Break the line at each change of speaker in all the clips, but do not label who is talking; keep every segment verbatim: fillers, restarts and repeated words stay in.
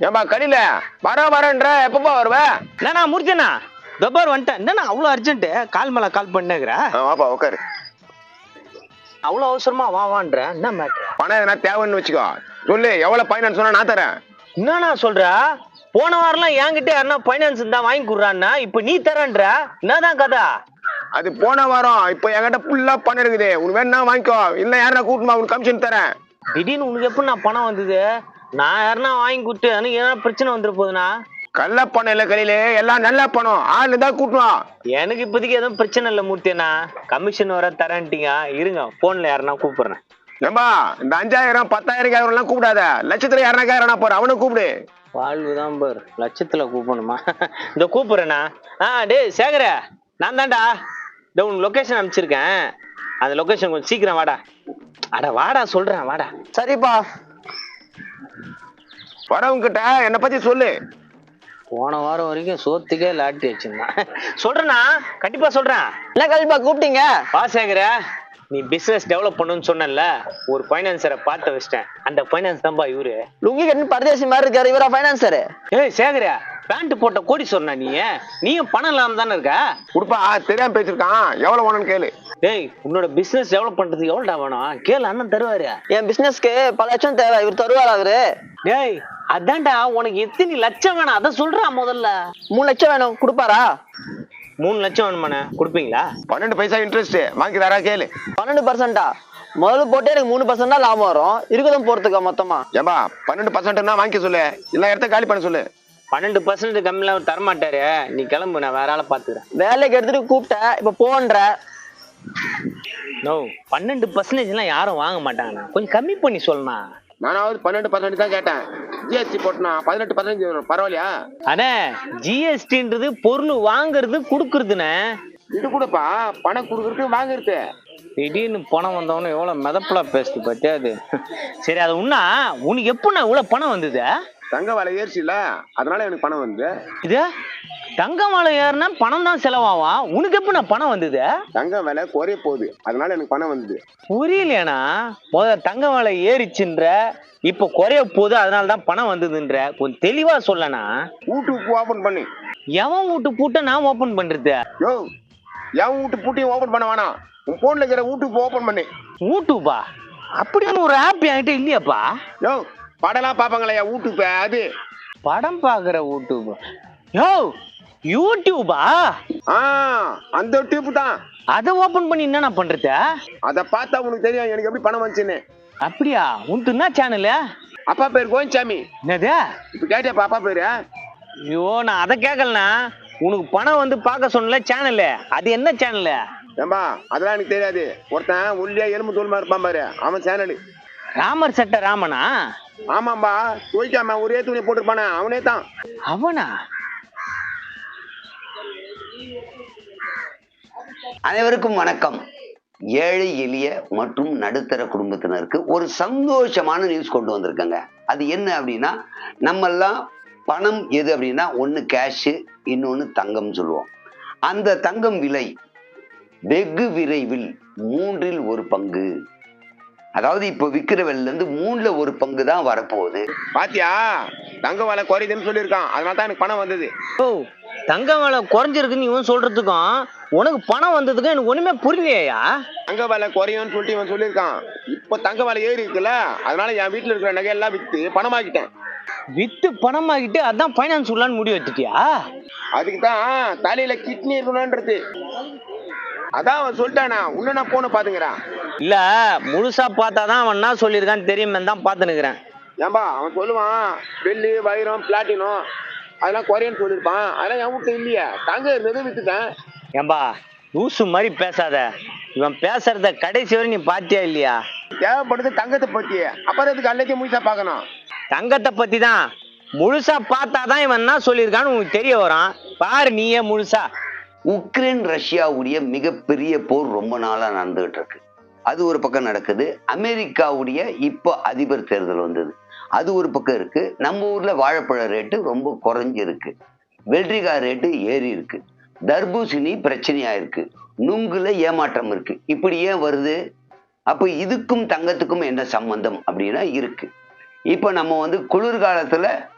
ஏன்பா கடையில வர வரன்ற எப்பப்பா வருவ?
என்னண்ணா முடிச்சேண்ணா தொப்பார் வந்துட்டேன். என்னண்ணா அவ்வளோ அர்ஜென்ட்டு கால் மேலே கால் பண்ணுங்கிற?
வாப்பா உட்காரு.
அவ்வளோ அவசரமா வா வான்ற என்ன மேட்ரு?
பணம் எதனா தேவைன்னு வச்சுக்கோ, சொல்லு. எவ்வளவு பைனான்ஸ் சொன்னா நான் தரேன்.
என்னண்ணா சொல்ற? போன வாரம்லாம் என்கிட்ட யாருன்னா பைனான்ஸ் தான் வாங்கி கொடுறான்னா இப்ப நீ தரன்ற என்னதான் கதை?
அது போன வாரம். இப்ப என்கிட்ட ஃபுல்லா பணம் இருக்குது. உனக்கு வேணா வாங்கிக்கோ, இல்ல யாரா கூட்டமா உனக்கு கமிஷன் தரேன்.
திடீர்னு உனக்கு எப்படி நான் பணம் வந்தது? நான் யாருன்னா வாங்கி கொடுத்து எனக்கு ஏன்னா பிரச்சனை வந்துட போகுதுண்ணா?
கள்ள பணம் இல்ல கையில, எல்லாம் நல்ல பணம். ஆளு தான் கூட்டணும்.
எனக்கு இப்போதைக்கு எதுவும் பிரச்சனை இல்லை மூர்த்தியண்ணா. கமிஷன் வர தரேன்ட்டீங்க. இருங்க போன்ல யாருன்னா கூப்பிடுறேன்.
ஏம்பா இந்த அஞ்சாயிரம் பத்தாயிரம் ஆயிரம் எல்லாம் கூப்பிடாத. லட்சத்துல யாருனா கேட்கறா போற, அவனை கூப்பிடு.
வாழ்வுதான் பாரு, லட்சத்துல கூப்பிடணுமா? இந்த கூப்பிடுறேண்ணா. ஆ டேய் சேகர, நான் தான்டா. இந்த உன் லொக்கேஷன் அனுப்பிச்சிருக்கேன். அந்த லொக்கேஷன் கொஞ்சம் சீக்கிரம் வாடா. அட வாடா சொல்றேன் வாடா.
சரிப்பா.
வரவங்க கிட்ட என்னை பத்தி சொல்லு.
போன வாரம் வரைக்கும் சோத்துக்கே லாட்டி வச்சிருந்தான். சொல்றேண்ணா, கண்டிப்பா சொல்றேன்.
என்ன கல்பா கூப்பிட்டீங்க?
வா சேகர, நீ பிசினஸ் டெவலப் பண்ணுன்னு சொன்னல, ஒரு பைனான்சரை பார்த்து வச்சிட்டேன். அந்த பைனான்ஸ் தான்பா இவரு.
லுங்கி கட்டு பரதேசி மாதிரி இருக்காரு இவரா பைனான்சரு?
ஏய் சேகர, பேண்ட் போட்ட கோடி சொன்ன நீ, நீயும் பணம் இல்லாம தானே இருக்க?
கொடுப்பா, தெரியாம பேசிருக்கான். எவ்வளவு வேணும்னு கேளு.
டேய் உன்னோட பிசினஸ் டெவலப் பண்றதுக்கு எவ்வளோடா வேணும் கேளு, அண்ணன் தருவாரு.
என் பிசினஸ்க்கு பல லட்சம் தேவை, இவர் தருவாரா அவரு?
டேய் அதான்டா, உனக்கு எத்தனை லட்சம் வேணும் அதை சொல்றான் முதல்ல.
மூணு லட்சம் வேணும், கொடுப்பாரா?
மூணு லட்சம் வேணுமாண்ணே, கொடுப்பீங்களா?
பன்னெண்டு பைசா இன்ட்ரெஸ்ட் வாங்கி தரா கேளு.
பன்னெண்டு பர்சன்டா? முதல்ல போட்டு எனக்கு மூணு பர்சன்ட் தான் லாபம் வரும். இருக்குதும் போறதுக்கா மொத்தமா?
ஏம்பா பன்னெண்டு பர்சன்ட்னா வாங்கிக்க சொல்லு, இல்ல இடத்த காலி பண்ண சொல்லு.
பன்னெண்டு பர்சன்ட் கம்மியில அவர் தரமாட்டாரு. நீ கிளம்பு, நான் வேற ஆளை பாத்துக்கிறேன்.
வேலைக்கு எடுத்துட்டு கூப்பிட்டேன், இப்ப போன்ற.
நோ, பன்னெண்டு பர்சன்டேஜ் எல்லாம் யாரும் வாங்க மாட்டாங்கண்ணா, கொஞ்சம் கம்மி பண்ணி சொல்லணும்.
நானாவது பன்னெண்டு பர்சன்ட் தான் கேட்டேன். ஜிஎஸ்டி போட்டுனா பதினெட்டு பர்சன்ட் பரவாயில்லையா?
அண்ணே ஜிஎஸ்டின்றது பொருள் வாங்குறது குடுக்குறதுண்ணே.
இது கூடப்பா பணம் கொடுக்கறது வாங்குறது.
திடீர்னு பணம் வந்தவொன்னு எவ்வளவு மிதப்பலா பேசுது பத்தியா அது. சரி அது உன்னா உனக்கு எப்படிண்ணா இவ்வளவு பணம் வந்தது?
தங்க விலை ஏறிச்சு இல்ல, அதனால எனக்கு பணம் வந்து.
இது தங்க விலை ஏறினா பணம் தான் செலவாகும், உனக்கு எப்ப நான் பணம் வந்தது?
தங்க விலை குறைய போகுது, அதனால எனக்கு பணம் வந்தது.
புரியலையாண்ணா? முதல்ல தங்க விலை ஏறிச்சுன்ற, இப்ப குறைய போகுது அதனால தான் பணம் வந்ததுன்ற, கொஞ்சம் தெளிவா சொல்லனா.
யூடியூப் ஓபன் பண்ணி.
எவன் வீட்டு பூட்ட நான் ஓபன் பண்றது?
யோ எவன் வீட்டு பூட்டையும் ஓபன் பண்ண வேணாம், உன் போன்ல இருக்கிற யூடியூப் ஓபன் பண்ணி.
யூடியூபா? அப்படின்னு ஒரு ஆப் என்கிட்ட இல்லையாப்பா.
யோ படம்லாம் பாப்பாங்களா யூடியூப்? அது
படம் பாக்குற யூடியூப். யோ யூடியூபா?
ஆ அந்த டியூப் தான்.
அதை ஓபன் பண்ணி என்ன பண்றது?
அத பார்த்தா உனக்கு தெரியும் எனக்கு எப்படி பணம் வந்துச்சுன்னு.
அப்படியா? உனக்கு என்ன சேனலு?
அப்பா பேர் கோவிந்தசாமி.
என்னது
இப்ப கேட்டியாப்பா அப்பா பேரு?
ஐயோ நான் அதை கேட்கலண்ணா. உனக்கு பணம் வந்து பார்க்க சொன்னல சேனலு, அது என்ன சேனலு?
ஏம்பா அதெல்லாம் எனக்கு தெரியாது. ஒருத்தன் உள்ளியா எலும்பு தோல்மா இருப்பான் பாரு, அவன் சேனலு.
ராமர் சட்ட ராமனா?
ஆமாம்பா, துவைக்காம ஒரே துணி போட்டுருப்பானே அவனே தான்.
அவனா?
அனைவருக்கும் வணக்கம். ஏழை எளிய மற்றும் நடுத்தர குடும்பத்தினருக்கு ஒரு சந்தோஷமான நியூஸ் கொண்டு வந்திருக்கங்க. அது என்ன அப்படின்னா, நம்மெல்லாம் பணம் எது அப்படின்னா ஒன்று கேஷு, இன்னொன்று தங்கம் சொல்லுவோம். அந்த தங்கம் விலை வெகு விரைவில் மூன்றில் ஒரு பங்கு, அதாவது இப்போ விற்கிற விலையில இருந்து மூணுல ஒரு பங்கு தான் வரப்போகுது.
பாத்தியா, தங்க விலை குறையுதுன்னு சொல்லியிருக்கான், அதனால தான் எனக்கு பணம் வந்தது.
ஓ தங்க விலை குறைஞ்சிருக்குன்னு இவன் சொல்றதுக்கும் உனக்கு பணம் வந்ததுக்கும் எனக்கு ஒண்ணுமே புரியலையா?
தங்க விலை குறையும்னு சொல்லிட்டு இவன் சொல்லியிருக்கான். இப்போ தங்க விலை ஏறி இருக்குல்ல, அதனால என் வீட்டுல இருக்கிற நகையெல்லாம் வித்து பணமாக்கிட்டேன்.
வித்து பணமாக்கிட்டு அதான் பைனான்ஸ் உள்ளான்னு முடிவு எடுத்துட்டியா?
அதுக்கு தான் தலையில கிட்னி இருக்கணும்ன்றது. அதான் அவன் சொல்லிட்டானா, உன்ன நான் போன பாத்துங்கிறான்.
இல்ல முழுசா பார்த்தாதான் அவன் என்ன சொல்லியிருக்கான்னு தெரியுமே தான் பார்த்துனுக்குறேன்.
ஏன்பா அவன் சொல்லுவான் வெள்ளி வைரம் பிளாட்டினம் அதெல்லாம் குறையன்னு சொல்லியிருப்பான். அதெல்லாம் என் வீட்டு இல்லையா, தங்க இருந்தது வித்துட்டேன்.
ஏம்பா லூசு மாதிரி பேசாத. இவன் பேசுறத கடைசி வரை நீ பாத்தியா இல்லையா?
தேவைப்படுது தங்கத்தை பத்தி, அப்புறம் அதுக்கு எல்லாத்தையும் முழுசா பார்க்கணும்.
தங்கத்தை பத்தி தான் முழுசா பார்த்தாதான் இவன் என்ன சொல்லியிருக்கான்னு உனக்கு தெரிய வரும். பாரு நீயே முழுசா.
உக்ரைன் ரஷ்யாவுடைய மிகப்பெரிய போர் ரொம்ப நாளா நடந்துகிட்டு இருக்கு. அது ஒரு பக்கம் நடக்குது. அமெரிக்காவுடைய இப்போ அதிபர் தேர்தல் வந்தது, அது ஒரு பக்கம் இருக்கு. நம்ம ஊர்ல வாழைப்பழ ரேட்டு ரொம்ப குறைஞ்சிருக்கு, வெள்ளரிக்காய் ரேட்டு ஏறி இருக்கு, தர்பூசணி பிரச்சனையா இருக்கு, நுங்குல ஏமாற்றம் இருக்கு. இப்படி ஏன் வருது? அப்ப இதுக்கும் தங்கத்துக்கும் என்ன சம்பந்தம் அப்படின்னா இருக்கு. இப்ப நம்ம வந்து குளிர்காலத்துல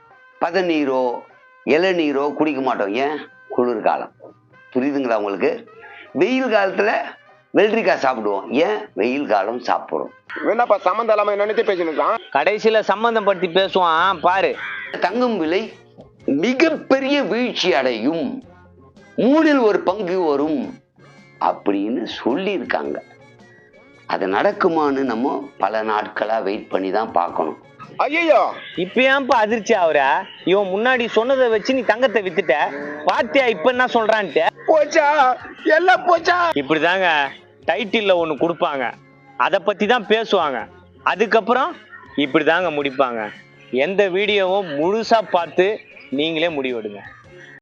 பதநீரோ இளநீரோ குடிக்க மாட்டோம். ஏன்? குளிர்காலம். புரியுதுங்களா உங்களுக்கு? வெயில் காலத்துல வெள்ளரிக்காய் சாப்பிடுவோம். ஏன்? வெயில் காலம் சாப்பிடுறோம்.
என்னப்பா சம்மந்தம் இல்லாம நினைச்சு பேசினுக்கான்.
கடைசியில சம்பந்தம் படுத்தி பேசுவான் பாரு.
தங்கம் விலை மிகப்பெரிய வீழ்ச்சி அடையும், மூணில் ஒரு பங்கு வரும் அப்படின்னு சொல்லியிருக்காங்க. அது நடக்குமான்னு நம்ம பல நாட்களா வெயிட் பண்ணி தான் பார்க்கணும்.
ஐயோ
இப்ப ஏன்பா அதிர்ச்சி ஆகுற? இவன் முன்னாடி சொன்னதை வச்சு நீ தங்கத்தை வித்துட்ட, பாத்தியா இப்ப என்ன சொல்றான்ட்டு?
போச்சா, எல்லாம் போச்சா.
இப்படிதாங்க டைட்டில்ல ஒண்ணு கொடுப்பாங்க, அதை பத்தி தான் பேசுவாங்க, அதுக்கப்புறம் இப்படிதாங்க முடிப்பாங்க. எந்த வீடியோவும் முழுசா பார்த்து நீங்களே முடிவெடுங்க.